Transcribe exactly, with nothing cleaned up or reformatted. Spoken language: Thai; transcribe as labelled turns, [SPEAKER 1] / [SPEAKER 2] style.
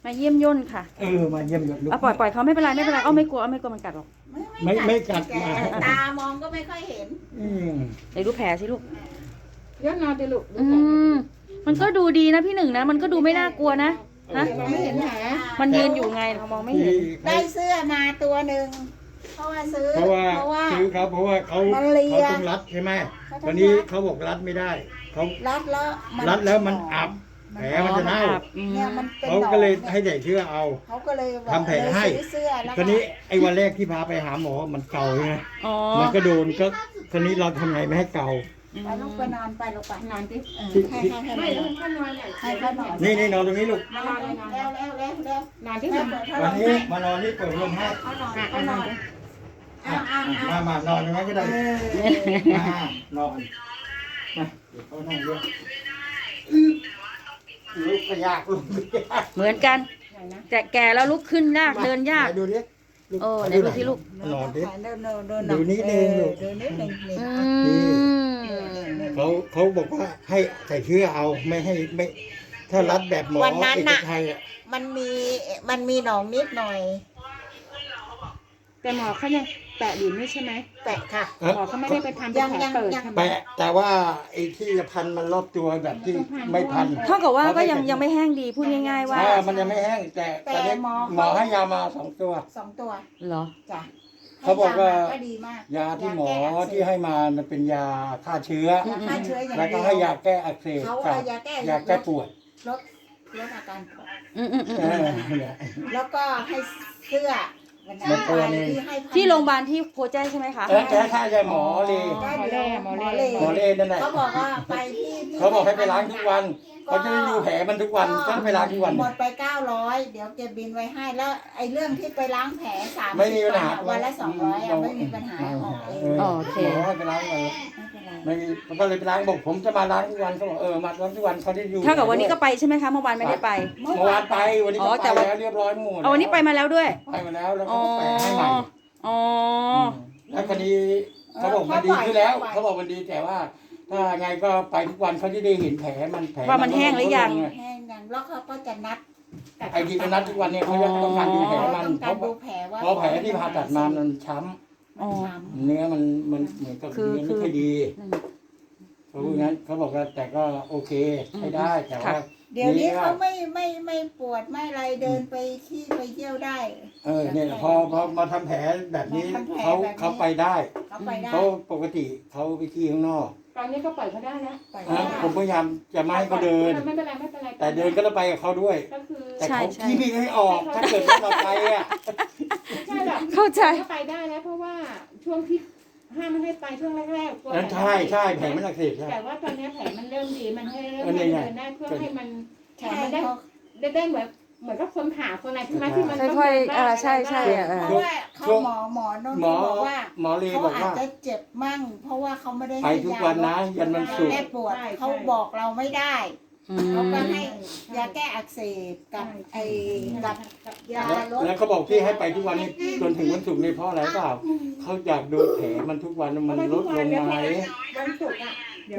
[SPEAKER 1] มาเยี่ยมย่นค่ะ
[SPEAKER 2] เออมาเยี่ยมยศลูก
[SPEAKER 1] เอาปล่อยปล่อยเขาไม่เป็นไรไม่เป็นไรเอาไม่กลัวเอาไม่กลัวมันกัดหรอก
[SPEAKER 2] ไม่ไม่กัด
[SPEAKER 3] แกตามองก็ไม่ค่อยเห็น
[SPEAKER 2] อืม
[SPEAKER 1] เดี๋ยวดูแผลสิลูก
[SPEAKER 4] ยศนอนดิลูก
[SPEAKER 1] อืมมันก็ดูดีนะพี่หนึ่งนะมันก็ดูไม่น่ากลัวนะฮะ
[SPEAKER 4] เราไม่เห็นแผล
[SPEAKER 1] มันยืนอยู่ไงเรามองไม่เห็น
[SPEAKER 2] ที่เขา
[SPEAKER 3] ได้เสื้อมาตัวหนึ่งเพราะว่าซื้อ
[SPEAKER 2] เพราะว่า
[SPEAKER 3] เพราะว่า
[SPEAKER 2] ซื้อเขาเพราะว่าเขา
[SPEAKER 3] มันเลีย
[SPEAKER 2] เขาต้องรัดใช่ไหม
[SPEAKER 3] เขาต้อง
[SPEAKER 2] ตอนนี้
[SPEAKER 3] รัด
[SPEAKER 2] เขาบอกรัดไม่ได้เขา
[SPEAKER 3] รัดแล้วมัน
[SPEAKER 2] รัดแล้วมันอับแผลมันจะเน่า
[SPEAKER 1] อืม
[SPEAKER 3] เนี่ยมันเป็น
[SPEAKER 2] เขา
[SPEAKER 3] หนอง
[SPEAKER 2] ก็เลย
[SPEAKER 3] นี่
[SPEAKER 2] ให้ใส่เชือกเอา
[SPEAKER 3] เขาก็เลยบอก
[SPEAKER 2] ทำแผลให้
[SPEAKER 3] เลยซื้อเสื้อแล้ว
[SPEAKER 2] ตอนนี้ไอ้วันแรกที่พาไปหาหมอมันเกาใช่ไหม
[SPEAKER 1] อ๋อ
[SPEAKER 2] มันก็โดนก็ตอนนี้เราทำไงไม่ให้เกา
[SPEAKER 3] ไปลูกไปนอนไปลูกไป
[SPEAKER 4] นอนดิ
[SPEAKER 3] เออ
[SPEAKER 2] ที่
[SPEAKER 3] ให้
[SPEAKER 2] ที่
[SPEAKER 3] ให้ให้
[SPEAKER 4] ไม่
[SPEAKER 3] ให้
[SPEAKER 4] แล้วมันก็นอนใหญ่
[SPEAKER 3] ให้เขานอน
[SPEAKER 2] นี่นี่นอนตรงนี้ลูก
[SPEAKER 3] นอนแล้วแล้วแล้วแล้ว
[SPEAKER 4] นอนที่
[SPEAKER 3] แม่
[SPEAKER 4] นอน
[SPEAKER 3] เปิดพัดล
[SPEAKER 2] วัน
[SPEAKER 3] ม
[SPEAKER 2] นี้
[SPEAKER 3] ให้
[SPEAKER 2] มานอนนี่เปิดลมให้
[SPEAKER 3] เขานอนเขานอนอ้าวอ้าวอ้าว
[SPEAKER 2] มามานอนตรงนั้นก็ได้
[SPEAKER 3] เออ
[SPEAKER 2] มานอนมาเดี๋ยวเขานั่งด้วยลุกก็ยากลุกก็ยาก
[SPEAKER 1] เหมือนกันแต่แก่แล้วลุกขึ้นยากเดินยาก
[SPEAKER 2] ไหดูดิ
[SPEAKER 1] โอ้ไหนดูที่ลูก
[SPEAKER 2] นอนดิ
[SPEAKER 3] เดินเดินเดิน
[SPEAKER 2] ดูนิดนึงลูก
[SPEAKER 3] เดินนิดนึงนี่
[SPEAKER 1] อืม
[SPEAKER 2] เขาเขาบอกว่าให้ใส่เชือกเอาไม่ให้ไม่ ถ้ารัดแบบหมอ
[SPEAKER 3] วันนั้น
[SPEAKER 2] เอก
[SPEAKER 3] น่ะ
[SPEAKER 2] ชัยอ่ะ
[SPEAKER 3] มันมีมันมีหนองนิดหน่อย
[SPEAKER 4] แต่หมอเขายังแตะอยู่นี่ใช่ไหม
[SPEAKER 3] แตะค่ะ
[SPEAKER 2] เอ้อ
[SPEAKER 4] หมอเขาไม่ได้ไปทำเป็นแผลเปิด
[SPEAKER 3] ยัง
[SPEAKER 4] ใช่ไหม
[SPEAKER 2] แปะแต่ว่าไอ้ที่จะพันมันรอบตัวแบบที่ไม่พัน
[SPEAKER 1] เท่ากับว่าก็ยังยังไม่แห้งดีพูดง่ายๆว่า
[SPEAKER 2] อ่ามันยังไม่แห้งแต่ตอนนี้หมอให้ยามาสองตัว
[SPEAKER 3] สองตัว
[SPEAKER 1] เหรอ
[SPEAKER 3] จ้ะ
[SPEAKER 2] เขาบอกว่า
[SPEAKER 3] ให้ยมก็ดีมาก
[SPEAKER 2] ยาที่หมอ
[SPEAKER 3] แก้อักเสบ
[SPEAKER 2] ที่ให้มามันเป็นยาฆ่าเชื้อ
[SPEAKER 3] ยาฆ่าเชื้ออย่าง
[SPEAKER 2] แล้วก็
[SPEAKER 3] เดียว
[SPEAKER 2] ให้ยาแก้อักเสบ
[SPEAKER 3] เขา
[SPEAKER 2] กั
[SPEAKER 3] เอา
[SPEAKER 2] บ
[SPEAKER 3] ยาแก้
[SPEAKER 2] ยาแก้ปวด
[SPEAKER 3] ลดลดอาการปวด
[SPEAKER 1] อืมอืมอืม
[SPEAKER 2] เออเนี่ย
[SPEAKER 3] แล้วก็ให้เสื้อวัน
[SPEAKER 2] หมดตัวนี่
[SPEAKER 3] ที่ให้พัน
[SPEAKER 1] ที่โรงพยาบาลที่โพแจ้งใช่ไหมคะ
[SPEAKER 2] เออแก้ค่ายาหมอเลย
[SPEAKER 3] ได้
[SPEAKER 4] หมอ
[SPEAKER 3] เดี
[SPEAKER 4] เล่
[SPEAKER 3] ยว
[SPEAKER 4] หมอ
[SPEAKER 3] หมอ
[SPEAKER 4] เล่
[SPEAKER 3] เล่
[SPEAKER 2] หมอเล่นั่นแหละ
[SPEAKER 3] เขาบอกว่าไปที่ที่
[SPEAKER 2] เขาบอกให้ไปล้างทุกวันเขาจะได้ดูแผลมันทุกวันก็ไปล้างทุกวัน
[SPEAKER 3] หมดไปเก้าร้อยเดี๋ยวเก็บบินไว้ให้แล้วไอ้เรื่องที่ไปล้างแผลสาม
[SPEAKER 2] ไม่มีปัญหา
[SPEAKER 3] วันละสองร้อยอ่ะไม่มีปัญหาออกเอง
[SPEAKER 1] โอเค
[SPEAKER 2] หมอให้ไปล้างวัน
[SPEAKER 3] ไม่เป็นไร
[SPEAKER 2] ไม่มีก็เลยไปล้างบอกผมจะมาล้างทุกวันเขาบอกเออมาล้างทุกวันเขาได้ดู
[SPEAKER 1] เท่ากับวันนี้ก็ไปใช่ไหมคะเมื่อวานไม่ได้ไป
[SPEAKER 2] เมื่อวานไปวันนี้
[SPEAKER 1] อ๋
[SPEAKER 2] ก็
[SPEAKER 1] อแต่
[SPEAKER 2] ไป
[SPEAKER 1] ว่า
[SPEAKER 2] แล้วเรียบร้อยหมด
[SPEAKER 1] เอาวันนี้ไปมาแล้วด้วย
[SPEAKER 2] ไปมาแล้วแล้ว
[SPEAKER 1] อ๋
[SPEAKER 2] เขา
[SPEAKER 1] อ
[SPEAKER 2] ก็แปะให้ใหม่
[SPEAKER 1] อ๋อ
[SPEAKER 2] แล้วคดีเขาบอกมันดีขึ้นแล้วเขาบอกมันดีแต่ว่า ถ้าไงก็ไปทุกวันเขาจะได้เห็นแผลมันแผล
[SPEAKER 1] ว่ามันแห้งหรือยัง
[SPEAKER 3] แห้งยังแล้วเขาก็จะนัด
[SPEAKER 2] ไอ้ที่เขานัดทุกวันเนี่ยเขาจะต้องการดูแผลมัน
[SPEAKER 3] ต้อง
[SPEAKER 2] เพ
[SPEAKER 3] การ
[SPEAKER 2] ราะ
[SPEAKER 3] ดูแผลว่า
[SPEAKER 2] เพราะแผลที่ผ่าตัดมามันช้
[SPEAKER 1] อ๋อ
[SPEAKER 2] ำเนื้อมันมันเหมือนกับ
[SPEAKER 1] คือ
[SPEAKER 2] เนื้อ
[SPEAKER 1] คื
[SPEAKER 2] ไม่
[SPEAKER 1] อ
[SPEAKER 2] ค่อยดี
[SPEAKER 1] นั่น
[SPEAKER 2] เขาพูดงั้นเขาบอกว่าแต่ก็โอเคใช้ได้แต่ว่า
[SPEAKER 1] ค่ะ
[SPEAKER 3] เดี๋ยวนี้เขาไม่ไม่ไม่ปวดไม่อะไรเดินไปขี้ไปเที่ยวได้
[SPEAKER 2] เออเนี่ยพอพอมาทำแผลแบบนี้
[SPEAKER 3] มาทำแผล
[SPEAKER 2] เขา
[SPEAKER 3] แบบนี้
[SPEAKER 2] เขาไปได้
[SPEAKER 3] เขาไปได้
[SPEAKER 2] เขาปกติเขาไปขี้ข้างนอก
[SPEAKER 4] ตอนนี้ก็ปล่อยเขาได้นะ
[SPEAKER 3] ไป
[SPEAKER 2] นะ
[SPEAKER 3] ได้
[SPEAKER 2] ผมพยายามจะไม่ให้เขาเดิน
[SPEAKER 4] ไม่เป็นไรไม่เป็นไร
[SPEAKER 2] แต่เดินก็ต้องไปกับเขาด้วย
[SPEAKER 4] ก็คือ
[SPEAKER 2] แต่
[SPEAKER 1] ใช่
[SPEAKER 2] เขา
[SPEAKER 1] ใช่
[SPEAKER 2] ขี้ไม่ให้ออก ถ้าเกิดว่าเราไปอ่ะ
[SPEAKER 4] ไม่ใช่หรอก
[SPEAKER 1] เข้าใจ
[SPEAKER 4] ก็ไปได้แล้วเพราะว่าช่วงที่ห้ามไม่ให้ไปช่วงแรกๆกลัว
[SPEAKER 2] เออใช่ใช่แผลมันอักเสบใช่
[SPEAKER 4] แต่ว่าตอนนี้แผลมันเริ่มดีมันให้เริ่ม
[SPEAKER 2] เออนี่
[SPEAKER 4] ให้
[SPEAKER 2] ไง
[SPEAKER 4] เดินได้เพื่อให้มัน
[SPEAKER 3] ใช่
[SPEAKER 4] มันได้
[SPEAKER 3] เขา
[SPEAKER 4] ได้ได้เหมือนเหมือนกับคนผ่าคนอะไรใช่ไหมที่มัน
[SPEAKER 1] ค่อยๆอ่าใช่ใช่อ่ะ
[SPEAKER 3] เพราะว่าเขาหมอหมอนนท์
[SPEAKER 2] หมอ
[SPEAKER 3] เขาบอกว่า
[SPEAKER 2] หมอเล
[SPEAKER 3] เขา
[SPEAKER 2] บอก
[SPEAKER 3] อาจ
[SPEAKER 2] ว่า
[SPEAKER 3] จะเจ็บมั่ง เพราะว่าเขาไม่ได้
[SPEAKER 2] ไปทุกวันนะยันวันศุกร์
[SPEAKER 3] แก้ปวดเขาบอกเราไม่ได้
[SPEAKER 1] อื
[SPEAKER 3] เขาก็
[SPEAKER 1] ม
[SPEAKER 3] ให้ยาแก้อักเสบกับไอ้กับยา
[SPEAKER 2] แล้ว
[SPEAKER 3] ลด
[SPEAKER 2] แล้วเขาบอกที่ให้ไปทุกวันนี้จนถึงวันศุกร์นี่เพราะอะไรเปล่าเขาอยากดูแผลมันทุกวันมันลดลงไหม
[SPEAKER 4] วันศุกร์อ่ะ